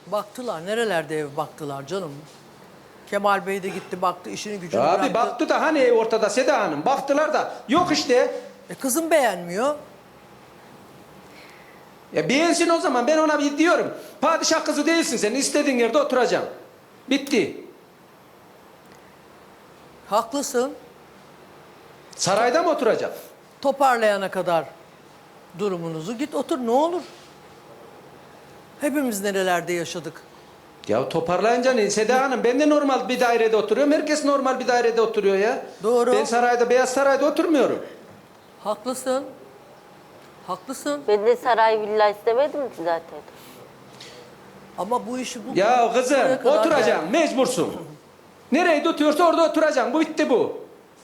Baktılar. Nerelerde ev baktılar canım. Kemal Bey de gitti baktı işini gücünü Abi bıraktı. baktı da hani ortada Seda Hanım. Baktılar da yok işte. Kızım beğenmiyor. Ya beğensin o zaman, ben ona bir diyorum. Padişah kızı değilsin sen, istediğin yerde oturacaksın. Bitti. Haklısın. Sarayda mı oturacak? Toparlayana kadar durumunuzu git otur ne olur. Hepimiz nerelerde yaşadık. Ya toparlayınca ne Seda Hanım, ben de normal bir dairede oturuyorum. Herkes normal bir dairede oturuyor ya. Doğru. Ben sarayda, Beyaz Saray'da oturmuyorum. Haklısın. Haklısın. Ben de saray villa istemedim ki zaten. Ama bu işi bu... Ya kızım buraya kadar oturacaksın, mecbursun. Nereyi tutuyorsa orada oturacaksın. Bu bitti bu.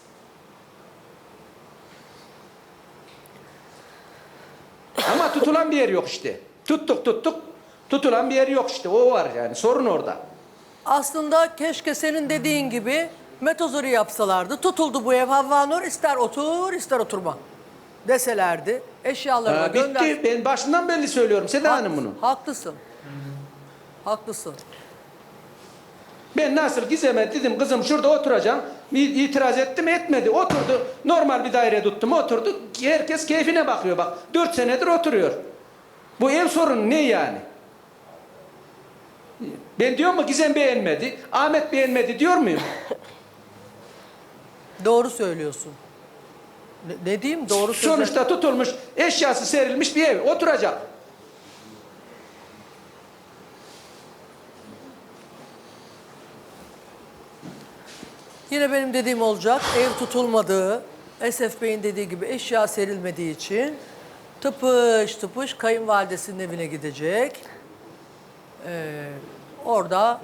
Ama tutulan bir yer yok işte. Tuttuk. Tutulan bir yer yok işte. O var yani. Sorun orada. Aslında keşke senin dediğin gibi metozori yapsalardı. Tutuldu bu ev Havva Nur, ister otur ister oturma deselerdi. Eşyalarına gönder. Bitti. Ben başından belli söylüyorum Seda Hanım bunu. Haklısın. Haklısın. Ben nasıl Gizem'e dedim kızım şurada oturacağım. İtiraz ettim etmedi. Oturdu. Normal bir daire tuttum oturdu. Herkes keyfine bakıyor bak. 4 senedir oturuyor. Bu ev sorunu ne yani? Ben diyor mu Gizem beğenmedi, Ahmet beğenmedi diyor muyum? Doğru söylüyorsun. Ne diyeyim doğru söylüyorsun. Sonuçta tutulmuş, eşyası serilmiş bir ev. Oturacak. Yine benim dediğim olacak. Ev tutulmadığı, Esef Bey'in dediği gibi eşya serilmediği için tıpış tıpış kayınvalidesinin evine gidecek. Orada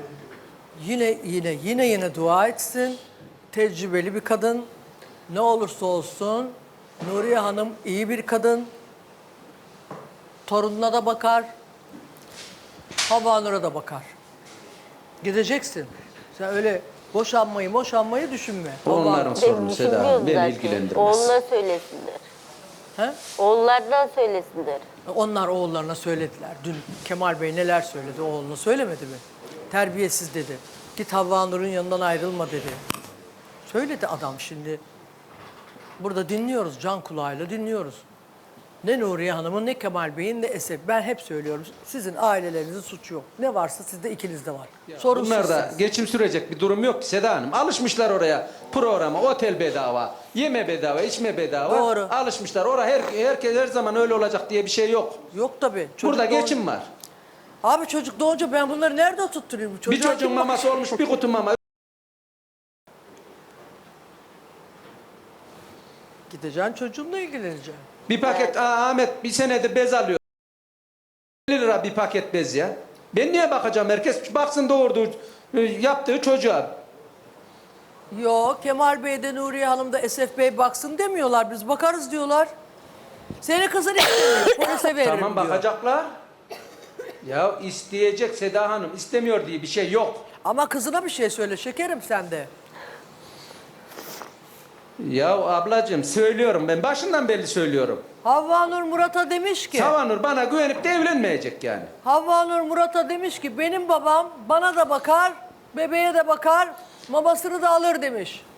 yine dua etsin. Tecrübeli bir kadın. Ne olursa olsun Nuriye Hanım iyi bir kadın. Torununa da bakar. Havva Nur'a da bakar. Gideceksin. Sen öyle boşanmayı düşünme. Onların sorunu Seda Hanım. Beni zaten. ilgilendirmez. Oğluna söylesinler. He? Oğullardan söylesinler. Onlar oğullarına söylediler. Dün Kemal Bey neler söyledi oğluna söylemedi mi? Terbiyesiz dedi. Git Havva Nur'un yanından ayrılma dedi. Söyledi adam şimdi. Burada dinliyoruz, can kulağıyla dinliyoruz. Ne Nuriye Hanım'ın, ne Kemal Bey'in, ne Esef. Ben hep söylüyorum, sizin ailelerinizin suçu yok. Ne varsa sizde ikinizde var. Sorun Bunlarda sizsiniz. geçim sürecek bir durum yok ki Seda Hanım. Alışmışlar oraya programa, otel bedava, yeme bedava, içme bedava. Doğru. Alışmışlar. Oraya herkes her zaman öyle olacak diye bir şey yok. Yok tabii. Çocuk Burada doğunca- geçim var. Abi çocuk doğunca ben bunları nerede tutturayım? Bir Çocuğa çocuğun kim maması olmuş, bir kutu mama. Gideceksin çocuğunla ilgileneceksin. Bir paket, Ahmet bir senedir bez alıyor. 50 lira bir paket bez ya. Ben niye bakacağım? Herkes baksın doğurduğu, yaptığı çocuğa. Yok Kemal Bey de Nuriye Hanım da Esef Bey baksın demiyorlar. Biz bakarız diyorlar. Seni kızın istemiyor. Polise veririm Tamam diyor. bakacaklar. Ya isteyecek Seda Hanım. İstemiyor diye bir şey yok. Ama kızına bir şey söyle şekerim sen de. Ya ablacığım söylüyorum ben. Başından belli söylüyorum. Havva Nur Murat'a demiş ki... Savanur bana güvenip de evlenmeyecek yani. Havva Nur Murat'a demiş ki benim babam bana da bakar, bebeğe de bakar, mamasını da alır demiş.